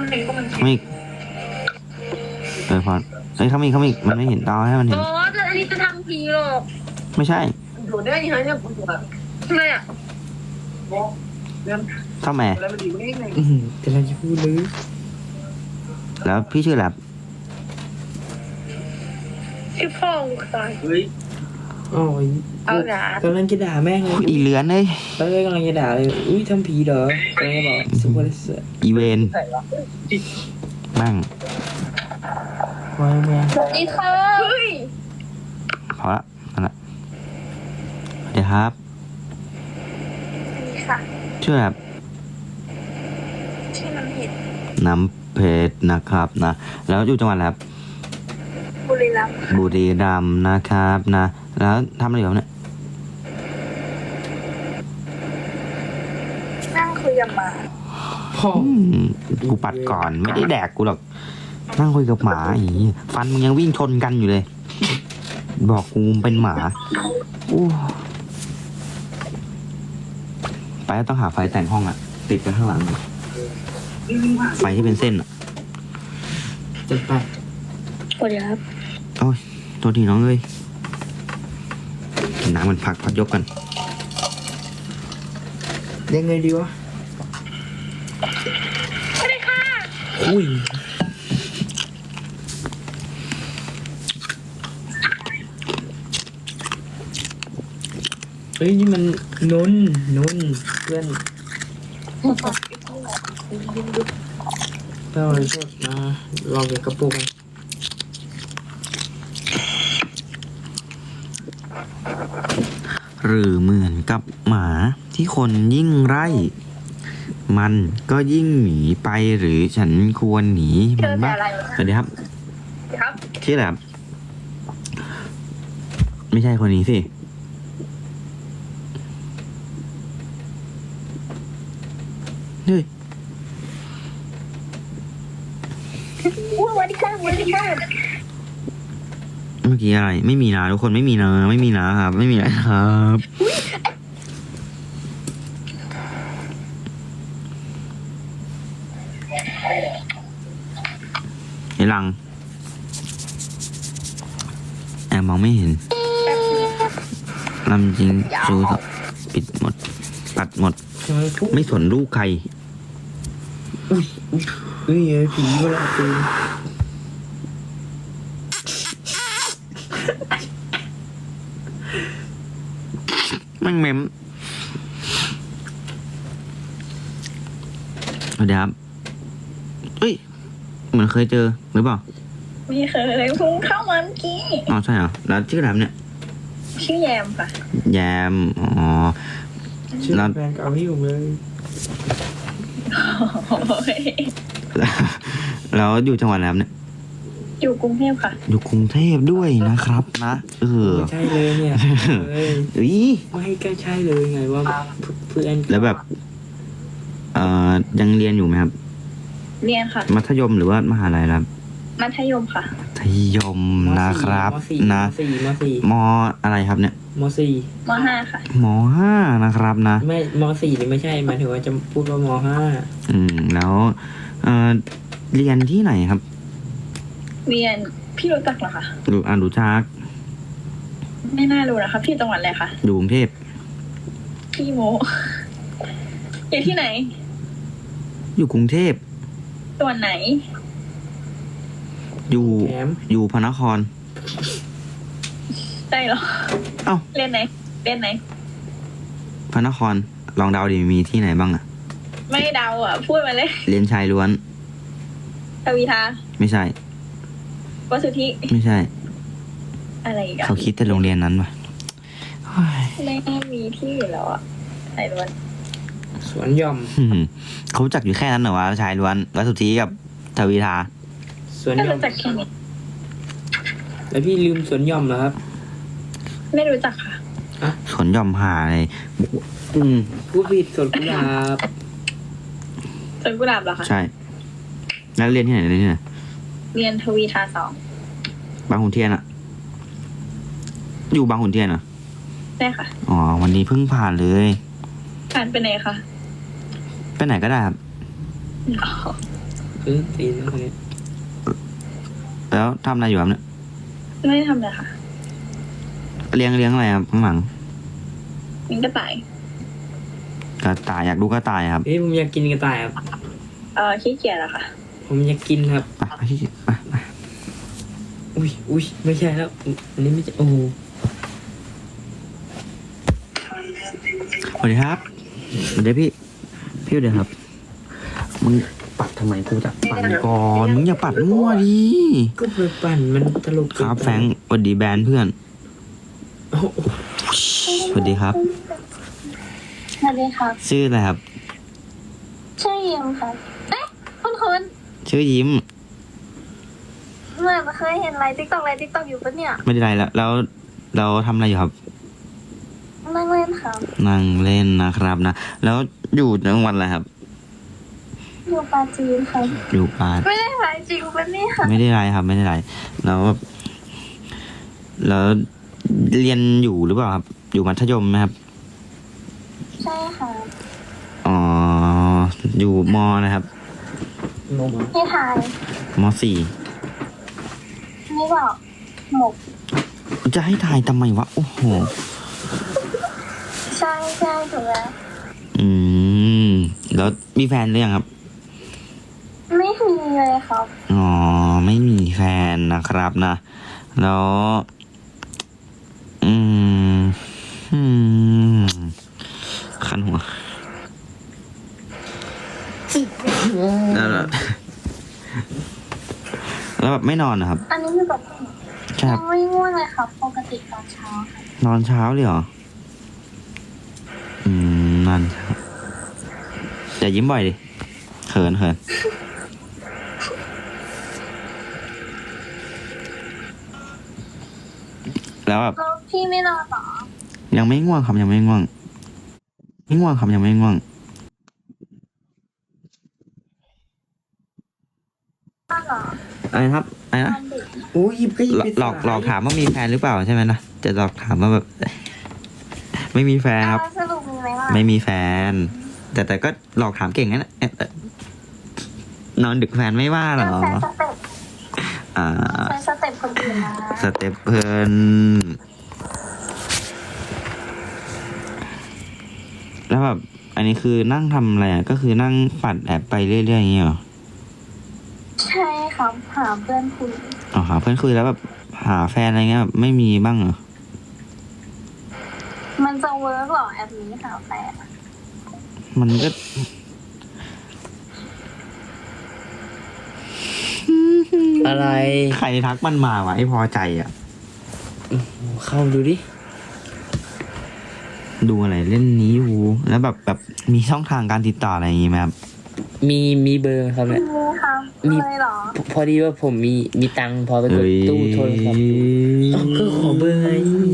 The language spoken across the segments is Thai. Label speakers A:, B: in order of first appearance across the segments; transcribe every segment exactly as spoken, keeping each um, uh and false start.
A: เขาอีกเออพอเฮ้ยเขาอีกเขาอีกมันไม่เห็นตาให้มันเห็น
B: อ๋อแต่อันนี้จะทำผีหรอก
A: ไม่ใช่
C: อยู่ได้ยังไงเนี่ยผมอยู่แบบ
B: ทำไมอ่ะ
A: เข้าแม่
C: อะไรมันดีกว่านี้ไง
D: อืมกำลังจะพูดเลย
A: แล้วพี่ชื่ออะไรครับ
B: ชื่อพ่อกูตาย
C: เฮ้ย
D: อ๋อ
B: เอาหนาก
D: ำลังจะด่าแม่งเลย
A: อีเลือนเลย
D: ตอนแรกกำลังจะด่าเลยอุ้ยทำผีเหรอกำลังจะบอกซุปเปอร์เสือ
A: อีเวน
C: ใส่ละ
A: มั่ง
D: วางมา
B: สวัสดีค่ะเฮ้ย
A: พอละนั่นแหละเดี๋ยวครับ
B: นี่ค่ะ
A: ชื่ออะไรครับ
B: ชื่อน้ำเห็ด
A: น้ำเพชรนะครับนะแล้วอยู่จังหวัดอะไรครับ
B: บุรีรัมย์
A: บุรีรัมย์นะครับนะแล้วทำอะไรอยู่ครับเนี่ย
B: นั่งคุยกับหมา
D: พ่อ
A: อืมกูปัดก่อนไม่ได้แดกกูหรอกนั่งคุยกับหมาอีฟันมึงยังวิ่งชนกันอยู่เลย บอกกูเป็นหมาอู้ไปแล้วต้องหาไฟแต่งห้องอะติดไปข้างหลัง ไฟที่เป็นเส้นอะ
D: จัดไป
B: สวัสดีครับ
A: โอ้ยตัวทีน้องเอ้ยกินน้ำมันพักพักยกกัน
D: ยังไงดีวะ
B: สวัสดีค่ะ
D: อุ้ยเฮ้ยนี่มันนนนนเพื่อนเราเลยชดมาลองเก็บกระปุกกัน
A: หรือเหมือนกับหมาที่คนยิ่งไล่มันก็ยิ่งหนีไปหรือฉันควรหนี
B: เจ
A: มัน
B: อแต่
A: บ้าง
B: อะไรวะ
A: สวัสดีครับ
B: ครับ
A: ชื่ออะไรครับไม่ใช่คนนี้สิเฮ้ย
B: อู้สวัสดีค่ะสวัสดีค่ะ
A: เมื่อกี้อะไร ไม่มีนะทุกคนไม่มีนะไม่มีนะครับไม่มีนะครับไอ้ลังแอบมองไม่เห็นลำจริงซูปิดหมด ปัดหมด
D: ทำไมปุ๊บ
A: ไม่สนลูกใคร
D: อุ้ยอุ้ยเฮ้ยเอ้ยผีเวลาตีน
A: มันเมมเดี๋ยวครับเอ้ย เหมือนเคยเจอหรือเปล่า
B: ไม่เคยเพิ่งเข้ามาเมื่อกี้
A: อ๋อใช่เหรอ แล้วชื่ออะไรครับเนี่ย
B: ชื่อแยมค่ะ
A: แยม อ๋อ
D: ชื่อ
A: แล้ว
D: แฟนเก่าพี่ผมเลย
B: โอ้ย
A: แล้วอยู่จังหวัดอะไรครับเนี่ย
B: อยู่กรุงเทพค่ะ
A: อยู่กรุงเทพด้วยนะครับนะ เออ
D: ไม่ใช่เลยเนี่ยเฮ้ย
A: อุ้ย
D: ไม่ก็ใช่เลยไงว่าเพื่อน
A: แล้วแบบ เอ่อ ยังเรียนอยู่ไหมครับ
B: เรียนค่ะ
A: มัธยมหรือว่ามหาลัยครับ
B: มัธยมค่ะ
A: มัธยมนะครับ
D: มสี่
A: นะ
D: มสี่มสี่
A: มอะไรครับเนี่ย
D: มสี่
B: มห้าค่ะ
A: มห้านะครับนะ
D: ไม่มสี่นี่ไม่ใช่หมายถึงว่าจะพูดว่ามห้า
A: อืม แล้วเอ่อเรียนที่ไหนครับ
B: เรียนพี่รู้จักเหรอคะ
A: ดูอ่านดูจัก
B: ไม่น่ารู้นะคะ พี่จังหวัดอะไรคะ
A: อยู่กรุงเทพ
B: พี่โม อยู่ที่ไหน
A: อยู่กรุงเทพ
B: จังหวัดไหน
A: อยู่
D: แถม
A: อยู่พระนคร
B: ได้เหรอ
A: เอ้า
B: เรียนไหน เรียนไหน
A: พระนคร ลองเดาดิมีที่ไหนบ้างอะ
B: ไม่เดาอ่ะ พูดมาเลย
A: เรียนชายล้วน
B: ทวีทา
A: ไม่ใช่
B: วสุธิ
A: ไม่ใช่
B: อะไรอีกอะ
A: เขาคิดแต่โรงเรียนนั้นปะเฮ้ย
B: ไม่น่ามีที่อยู่แล้วอ่ะไอ้ล้วน
D: สวนหย่อม
A: อืมเขารู้จักอยู่แค่นั้นเหรอวะชายล้วนวัดสุทธิกับทวีทา
D: สวน
B: ก็
D: หย่อม
B: รู้จักแค่นี้
D: แล้วพี่ลืมสวนหย่อมเหรอครับ
B: ไม่รู้จักค่ะ
A: สวนหย่อมหาเลยอืม
D: พูดผิดสวนกุหลาบ
B: สวนกุหลาบเหรอคะ
A: ใช่ แล้วเรียนที่ไหนเรียนที่ไหน
B: เรียนทวีทาสอง
A: บางขุนเทียนอะอยู่บางขุนเทียนเหรอ
B: ได้ค่ะ
A: อ๋อ วันนี้เพิ่งผ่านเลย
B: ผ่านไปไหนคะ
A: ไปไหนก็ได้ครับ
B: อ๋อ
D: คือตีนคนนี้
A: แล้วทำอะไรอยู่ครับเนี่ย
B: ไม่ได้ทำเลยค่ะ
A: เลี้ยงเลี้ยงอะไรครับข้างหลัง
B: มิงกระต่าย
A: กระต่ายอยากดูกระต่ายครับ
D: เฮ้ยผมอยากกินกระต่ายครับ
B: เออขี้เกียจอะค่ะ
D: ผมอยากกินครับ
A: ไปไปที่ไปไป
D: อุ้ยอุ้ยไม่ใช่แล้วอันนี้ไม่ใช่โอ้โห
A: สวัสดีครับสวัสดีพี่พี่เดี๋ยวครับมึงปัดทำไมกูจะปั่นก่อนมึงอย่าปัดมั่วดิ
D: ก็ไปปั่นมันตลก
A: ครับแฟรงค์สวัสดีแบรนด์เพื่อน
D: โอ้โห
A: สวัสดีครับ
B: สวัสดีค่ะ
A: ชื่ออะไรครับ
B: ชื่อยิมค่ะ เอ๊ะคุณคุณ
A: ชื่อยิ้ม
B: เหมื่อนเคยเห็นไลน์ติ๊กต็อกไลน์ติ๊กต็อกอยู่ปะเนี่ย
A: ไม่ได้ไรแล้วแล้วเราทำอะไรอยู่ครับ
B: นั่งเล่นค่ะ
A: นั่งเล่นนะครับนะแล้วอยู่จังหวัดอะไรครับ
B: อยู่ปาจีนค่ะ
A: อยู่ปาด
B: ไม่ได้ไลน์จริงปะเนี่ย
A: ไม่ได้ไรครับ ไม่ได้ไรแล้วแล้วเรียนอยู่หรือเปล่าครับ อยู่มัธยมไหมครับ
B: ใช่ค่ะ
A: อ๋ออยู่มนะครับ
D: งงเหรอ
B: พี่ทาย
A: มสี่
B: ไม่บอกหมก
A: จะให้ทายทำไมวะโอ้โห
B: ใช่ใช่ถูกแล้ว
A: อืมแล้วมีแฟนหรือยังครับ
B: ไม่มีเลยครับ
A: อ๋อไม่มีแฟนนะครับนะ แล้ว อืมอืมคันหัวแล้วแล้วแล้วแบบไม่นอนนะครับ
B: อันนี้คือแบบ
A: ใช่ค
B: ยั
A: รับ
B: งไม่ง่วงเลยครับปกติตอนเช้าค่ะ
A: นอนเช้าเลยเหรอ อืมนอนเช้าอย่ายิ้มบ่อยดิเขินเขินแล้วแบบ
B: แล้วพี่ไม่นอนเหรอ
A: ยังไม่ง่วงครับยังไม่ง่วง ไม่ง่วงครับยังไม่ง่วง
B: นอนเหรอ
A: อะไรครับอะไร
B: น
A: นะ
B: อนดึก
D: โอ้ยหยิบก็หยิบ
A: หลอก
D: ไป
A: หลอกหลอกถามว่ามีแฟนหรือเปล่าใช่ไหมนะจะหลอกถามว่าแบบ ไม่มีแฟนครับ
B: อ่าสรุปมีไหมล่ะ
A: ไม่มีแฟน แต่แต่ก็หลอกถามเก่งนะเนี่ยเอ๊ะเอ๊ะนอนดึกแฟนไม่ว่าเหรอ
B: ใช้สเต็ป
A: อ่า
B: ใช้สเต็ปคนอื่นนะ
A: สเต็ปเพลินแล้วแบบอันนี้คือนั่งทำอะไรอ่ะก็คือนั่งปัดแอบไปเรื่อยๆอย่างเงี้ยเหรอ
B: ใช่ครับหาเพื่อนคุย
A: อ๋อหาเพื่อนคุยแล้วแบบหาแฟนอะไรเงี้ยแบบไม่มีบ้างเหรอ
B: มันจะเวิร์กเหรอแอปนี้หาแฟน
A: มันก็
D: อะไร
A: ใครทักมันมาวะไอ้พอใจอ่ะ
D: เข้าดูดิ
A: ดูอะไรเล่นนี้อยู่แล้วแบบแบบมีช่องทางการติดต่ออะไรอย่างงี้ไหมครับ
D: มีมีเบอร์ครับเนี่ย
B: มีครับ
D: มี
B: เลยเหรอ
D: พอดีว่าผมมีมีตังค์พอไปกดตู้โทรศัพท์ดูเอ้าก็ขอเบอร์ไง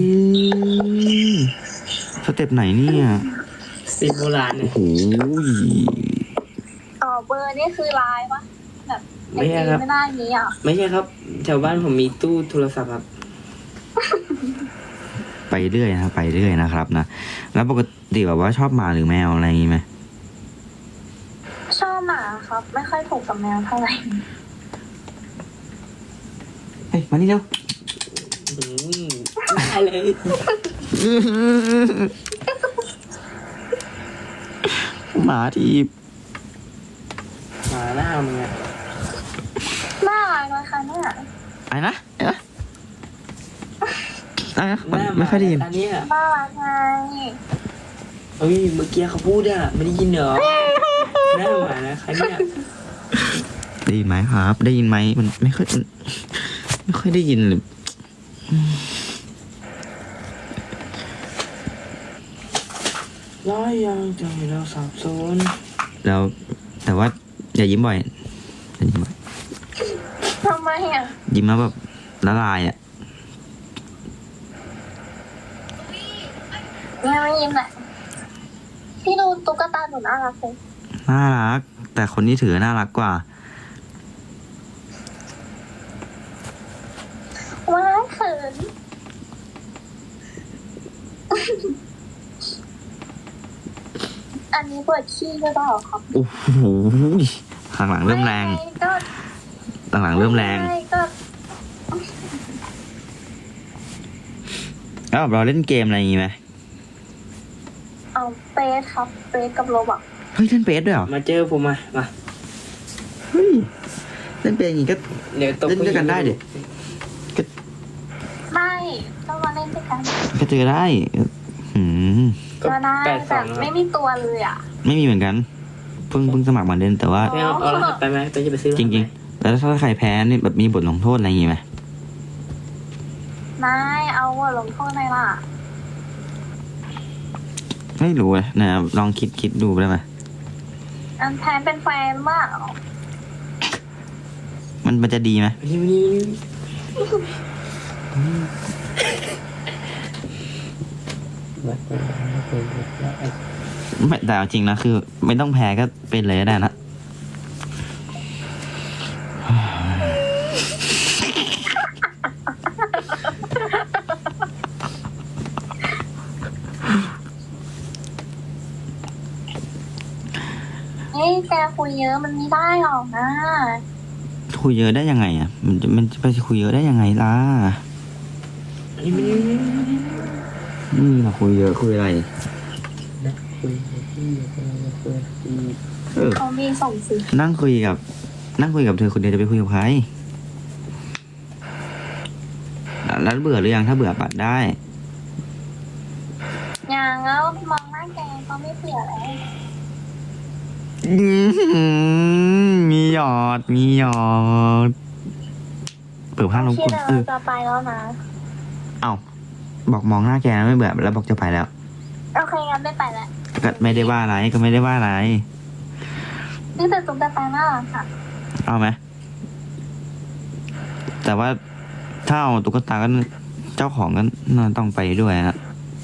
A: สเต็ปไหนเนี่ย
D: สิบโบราณเนี่ย
A: โอ้ย
B: อ๋อเบอร์นี่คือไลน์ปะแบบไอ
D: ไม่ใช่
B: จี
D: ครับ
B: ไม่ได้นี้อ่ะ
D: ไม่ใช่ครับแถวบ้านผมมีตู้โทรศัพท์ครับ
A: ไปเรื่อยนะครับไปเรื่อยนะครับนะแล้วปกติแบบว่าชอบหมาหรือแมวอะไรอย่างงี้ไหม
B: ชอบหมาครับ ไม่ค่อยถูกกับแมวเท่าไหร่
A: เฮ้ยมานี่เร็ว
D: อืมได้เลย
A: หมาที่
D: หมาหน้ามึงอะ
B: น่ารักนะคะเนี่ย
A: อะไรนะอะไรนะอะไรนะ
D: หน้าห
A: ไม่ค่อยได้ยิน
D: อันนี้อะ
B: น่ารักไง
D: เฮ้ยเมื่อกี้เขาพูดอะไม่ได้ยินเหรอหน้าหมานะคะเนี่ย
A: ได้ยินไหมครับ ได้ยินไหมมันไม่ค่อยมันไม่ค่อยได้ยินเลย
D: ร้อยยังใจเราสับสน
A: แล้วแต่ว่าอย่ายิ้มบ่อยอย่ายิ้มบ่อย
B: ทำไมอ่ะ
A: ยิ้มแล้วแบบละลายอ่ะ
B: ยังไม่ยิ้มแหละพี่ดูตุ๊กตาหนูน่ารักเลย
A: น่ารัก แต่คนที่ถือน่ารักกว่า
B: ว้ายเขิน อันนี้เปิดขี้หรือเปล่าครับ
A: โอ้โหหลังๆเริ่มแรง
B: ไม่ก็
A: หลังๆเริ่มแรง
B: ไม่ก็
A: แล้วแบบเราเล่นเกมอะไรอย่างงี้ไหม
B: เอาเปสครับเปสกับโรบอก
A: เฮ้ยเล่นเปสด้วยเหรอ
D: มาเจอผมมามา
A: เฮ้ยเล่นเปสอย่างงี้ก็
D: เดี๋ยวตบ
A: เล่นด้วยกันได้ดิ
B: ไม่ต้องมาเล่นด้วยกัน
A: ก็เจอได้หืม
D: ก็
B: ก็ได้
D: แปดส
B: แต่
D: อง
B: ไม่มีตัวเลยอ่ะ
A: ไม่มีเหมือนกัน เพิ่งเพิ่งสมัครมาเล่นแต่ว่า
D: ไม่เอาเอารหัสไปไหมไปจะไปซื้อ
A: จริงๆ แล้วถ้าใครแพ้นี่แบบมีบทลงโทษอะไรอย่างงี้ไหม
B: ไม่เอาว่าลงโทษในล่ะ
A: ไม่รู้เลยนะครับลองคิดคิดดูได้ไหม
B: อันแทนเป็นแฟนมาก
A: มันมันจะดีไหม
D: นี่นี่วัดไปวัดไปวัดไป
A: ไม่แต่เอาจริงนะคือ ไม่ต้องแพ้ก็เป็นเลยก็ได้นะ
B: เฮ้ยแกคุยเยอะมันไม่ได้หรอกนะ
A: คุยเยอะได้ยังไงอ่ะ มันจะมันจะไปคุยเยอะได้ยังไงล่ะ
D: นี่ไม่นี่
A: นี่เราคุยเยอะคุยอะไร
D: นะคุยที่คุยคุยที่
A: เออ
B: เขามีส่งสิ
A: นั่งคุยกับ นั่งคุยกับเธอคนเดียวจะไปคุยกับใครแล้วเบื่อหรือยังถ้าเบื่อปัดได้
B: อย่างแล้วมองหน้าแกก็ไม่เผื่อแล้ว
A: อื้อหือมีหยอด มีหยอด เปิดผ้าลง
B: ที่
A: กุน
B: เรา
A: เออ
B: จะไปแล้วนะ
A: เอ้าบอกมองหน้าแกไม่เบื่อแล้วบอกจะไปแล้ว
B: โอเคงั้นไม่ไปแล้ว
A: ก็ไม่ได้ว่าอะไรก็ไม่ได้ว่าอะไร
B: นี่แต่ตุ๊กตาน่ารักค่ะ
A: เอาไหมแต่ว่าถ้าเอาตุ๊กตาก็เจ้าของก็น่าต้องไปด้วยนะ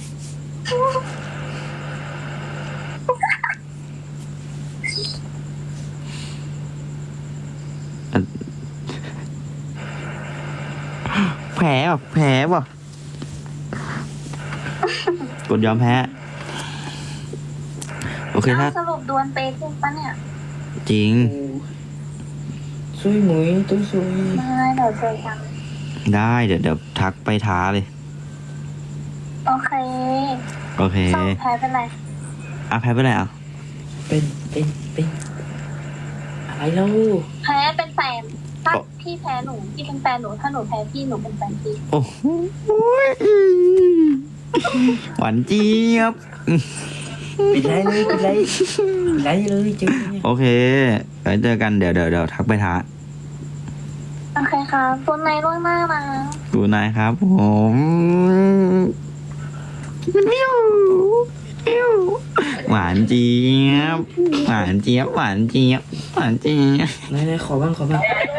A: แผลป่ะแผลป่ะกดยอมแพ้ โอเคถ้า
B: สรุปดวลเปย์จริงปะเนี่ย
A: จริง
D: ซุยหมุยตุ้ยซุย
B: ไม่เดี๋ยวเจอกัน
A: ได้เดี๋ยวเดี๋ยวทักไปท้าเลย
B: โอเค
A: โอเค
B: สองแพ้เป็นไร
A: อ่ะแพ้ไปไหนอ่ะ
D: เป็นเป็นเป็นอะไรเล่า
B: แพ้เป็นแฟน ถ้าพี่แพ้หนูพี่เป็นแฟนหนู ถ้าหนูแพ้พี่หนูเป็นแฟนพี่
A: โอ้โหหวานเจี๊ยบ
D: ปิดไรเลยปิดไรปิดไรเลยเจอเนี่ย
A: โอเคเดี๋ยวเจอกันเดี๋ยวเดี๋ยวเดี๋ยวทักไปท้า
B: โอเคค่ะคุณในล่วงหน้านะ
A: ดูนายครับผมมิวมิวหวานเจี๊ยบ หวานเจี๊ยบ หวานเจี๊ยบ หวานเจี๊ยบ
D: ไหนไหนขอบ้างขอบ้าง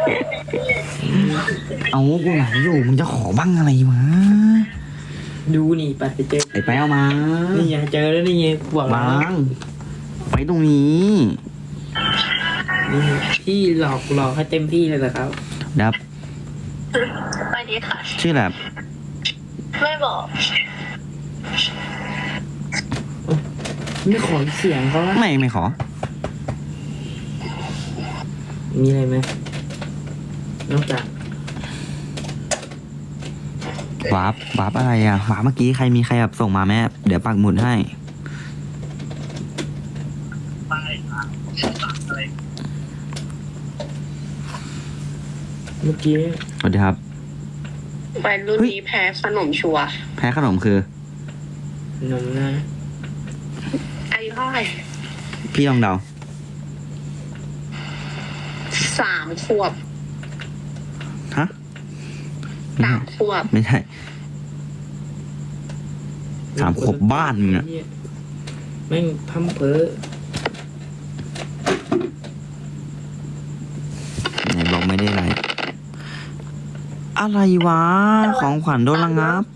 A: เอากูไหนอยู่มึงจะขอบ้างอะไรมา
D: ดูนี่ปัดไปเจอ
A: ไอ้ไปเอามา
D: นี่ไงเจอแล้วนี่ไงบอกแล้ว
A: บางไว้ตรงนี้
D: นี่พี่หลอกหลอกให้เต็มที่เลยนะครับ
A: ดับ
B: ไปดีค่ะ
A: ชื่ออะไร
B: ไม่บอก
D: ไม่ขอเสียงเขาละ
A: ไม่ไม่ขอ
D: มีอะไรไหมนอกจาก
A: วาร์ปวาร์ปอะไรอ่ะวาร์ปเมื่อกี้ใครมีใครแบบส่งมาแม่เดี๋ยวปักหมุดให้
D: เมื่อกี้
A: สวัสดีครับ
C: วัยรุ่นนี้แพ้ขนมชัวร์
A: แพ้ขนมคือ
D: นมนะ
C: อายุเท่าไหร่
A: พี่ลองเดา
C: สามขวบ
A: ฮะไม่
C: สา
A: ใช่
C: มขวบ
A: ไม่ใช่สามขวบบ้านมึงอะ
D: แม่งพัมเพอ
A: ไหนบอกไม่ได้อะไร อะไรวะ ของขวัญโดนระงับ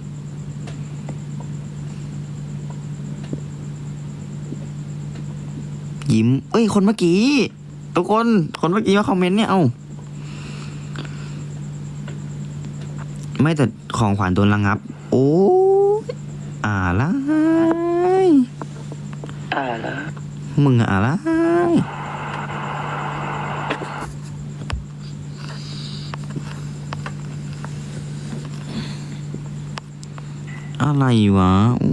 A: ยิ้ม เอ้ย คนเมื่อกี้ ทุกคน คนเมื่อกี้มาคอมเมนต์เนี่ย เอ้า ไม่แต่ของขวัญโดนระงับ โอ้ยอะไร
D: อ่าละ
A: มึงอะไรอะไรวะอู้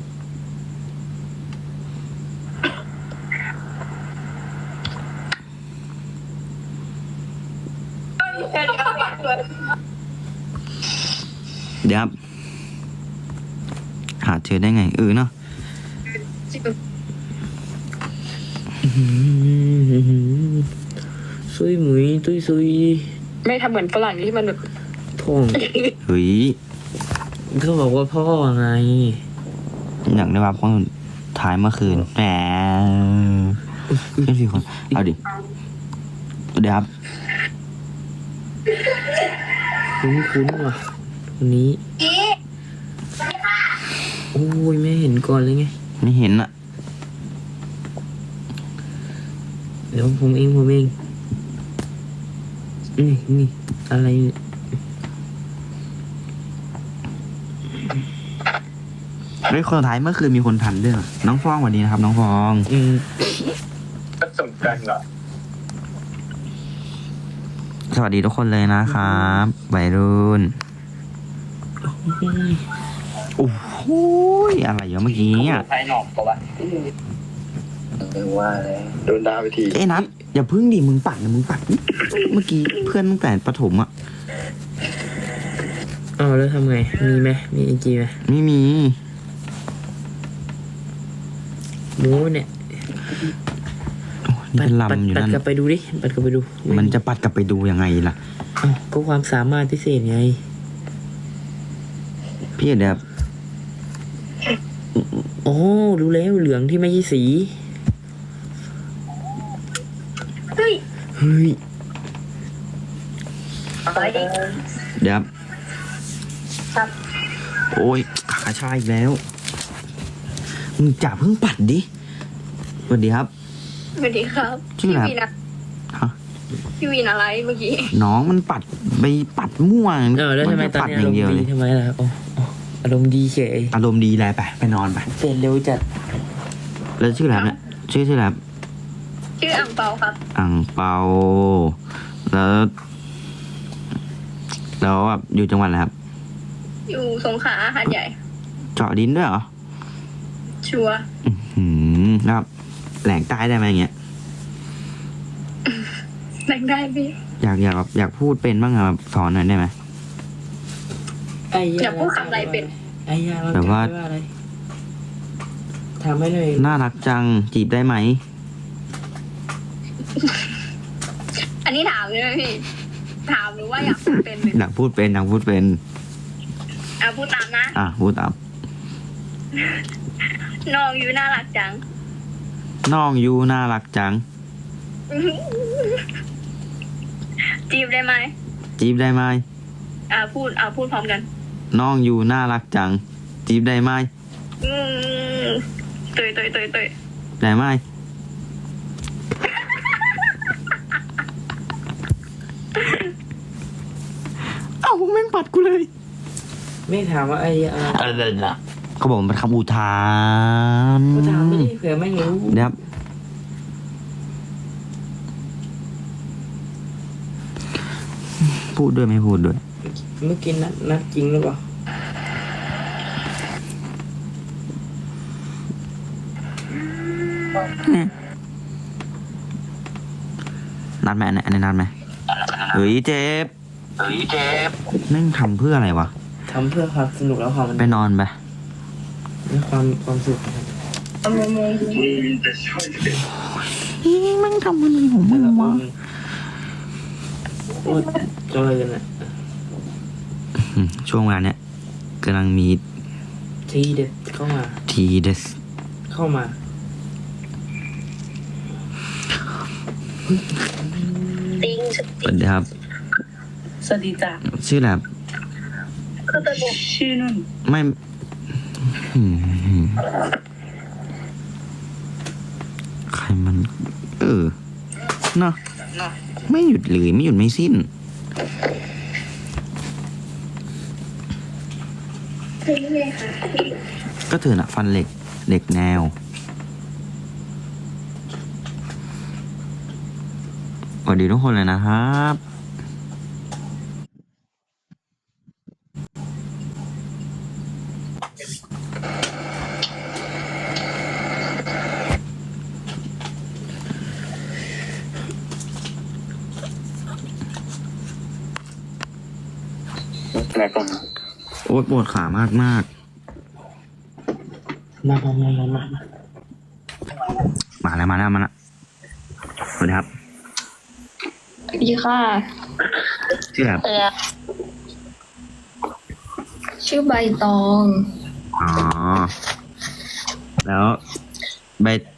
A: เดี๋ยวครับหาเจอได้ไงเออเนาะ
D: ซุยหมุยตุยซุย
C: ไม่ทำเหมือนฝรั่งที่มันแบบ
D: ท่อง
A: เฮ้ย
D: เขาบอกว่าพ่อไง
A: อยากได้รับคนท้ายเมื่อคืนแหมเพื่อนสี่คน เอาดิเดี๋ยวครับ
D: คุ้นคุ้นๆว่ะคนนี้โอ้ยไม่เห็นก่อนเลยไง
A: ไม่เห็นอะ
D: เดี๋ยวผมเองผมเองนี่นี่อะไรเนี่ย
A: เฮ้ยคนสุดท้ายเมื่อคืนมีคนทันด้วยเหรอน้องฟองสวัสดีนะครับ น้องฟอง
D: อืม
E: ก็สำคัญเหรอ
A: สวัสดีทุกคนเลยนะครับวัยรุ่นโอ้โหอะไรอยู่เมื่อกี้อ่ะ
E: ไทยหนอกปะวะเออว่าเลยโดนด่าไปที
A: เอ้ยนัทอย่าพึ่งดิมึงปัดนะมึงปัดดิเมื่อกี้เพื่อนตั้งแต่ประถมอ่ะ
D: เอาแล้วทำไง มีไหมมีไอจีไหม
A: ไม่มี
D: หมูเนี่ย
A: โอ้นี่เป็น
D: ปัด
A: ลำอยู่
D: ปัด
A: นั่น
D: กลับไปดูดิปัดกลับไปดู
A: มันจะปัดกลับไปดูยังไงล่ะ
D: เอ้าก็ความสามารถพิเศษไง
A: พี่เดี๋ยว
D: โอ้รู้แล้วเหลืองที่ไม่ใช่สี
B: เฮ้ย
D: เฮ้ย
B: อะไร
A: เดี๋ยว
B: ครับ
A: โอ้ยขาชาอีกแล้วมึงจ่าเพิ่งปัดดิสวัสดีครับ
B: สวัสดีครับ
A: ชื่ออะไร
B: พี่วินอะ
A: ฮะ
B: พี่วินอะไรเมื่อกี้
A: น้องมันปัดไปปัดมั่ว
D: เออแล้วทำไม
A: น
D: ตอน
A: ปัด
D: นี้
A: อ
D: อา
A: ย่าร ง
D: ม
A: เดียว
D: ณ์
A: เล
D: ดี
A: ย
D: ทำไมล่ะโอ้โอ้อารมณ์ดีเฉย
A: อารมณ์ดีเลยไปไปนอนไป
D: เสร็จเร็วจัด
A: แล้วชื่ออะไรครับเนี่ยชื่อชื่ออะไรครับ
B: ชื่ออังเปาครับ
A: อ่างเปา แล้ว แล้วแบบอยู่จังหวัดอะไรครับ
B: อยู่สงขลาหาดใหญ่
A: เจาะดินด้วยเหรอ
B: ชัวร์
A: อื้อหืมแล้วแบบแหลงใต้ได้ไหมอย่างเงี้ย
B: แบ่งได้พี่
A: อยากอยากแบบอยากพูดเป็นบ้างอะแบบสอนหน่อยได้ไหม
D: ไอ้
B: อย่าพูดคำอะไรเป็น
D: ไอ้ยา
A: แบบว่า
D: อะไรทำให้เลย
A: น่ารักจังจีบได้ไหม
B: อันนี้ถามเลยไหมพี่ ถามหรือว่าอยากพูดเป็นเลย
A: อยากพูดเป็นอยากพูดเป็น
B: อ่ะพูดตามนะ
A: อ่ะพูดตาม
B: น้องอยู่น่ารักจัง
A: น้องยูน่ารักจัง
B: จีบได้ไหม
A: จีบได้ไหม
B: อ่ะพูดอ่ะพูดพร้อมกัน
A: น้องยูน่ารักจัง จีบได้ไหม
B: อืมตุยตุยตุยตุย
A: ได้ไหมเอ้าแม่งปัดกูเลย
D: ไม่ถามว่าไอ้ยาอะไร
A: อะไรนะเขาบอกมันเป็นคำอุทาน
D: ก็ถามไม่ได้เผื่อไม่รู้
A: เดี๋ยวครับพูดด้วยไม่พูดด้วย
D: เมื่อกี้นัดนัดจริงหรือเปล่า
A: นัดไหมอันนี้อันนี้นัดไหมเฮ้ยเจ็บ
E: เฮ้ยเจ็บ
A: แม่งทำเพื่ออะไรวะ
D: ทำเพื่อความสนุกแล้วความมัน
A: ไปนอนไป
D: และความความสุขนะครับ
A: แม่งทำอะไรของมึ
D: แต่
A: ง
D: ละคว
A: ะ
D: นโอ้ยเจริญอ่ะ
A: อืมช่วงเวลาเนี้ยกำลังมี
D: ทีเด็ดเข้ามา
A: ทีเดส
D: เข้ามา
B: ติง
A: สวัสดีครับ
C: สวัสดีจ้ะ
A: ชื่ออะไรครับ
B: คือตัวบุก
C: ชื่อนุ่น
A: ไม่อืมใครมัน เออเนาะไม่หยุดเลยไม่หยุดไม่สิ้น
B: คือไงคะ
A: ก็เธอน่ะ ฟันเหล็กเหล็กแนวสวัสดีทุกคนเลยนะครับ
E: แล้วก่อน
A: โอ๊ยปวดขามากมาก
D: มามามามามา
A: มาแล้วมาแล้วมาแล้วสวัสดีครับ
C: ดีค่ะ
A: ชื่ออะไรครับ
B: เออ
C: ชื่อใบตอง
A: อ๋อ แล้วใบ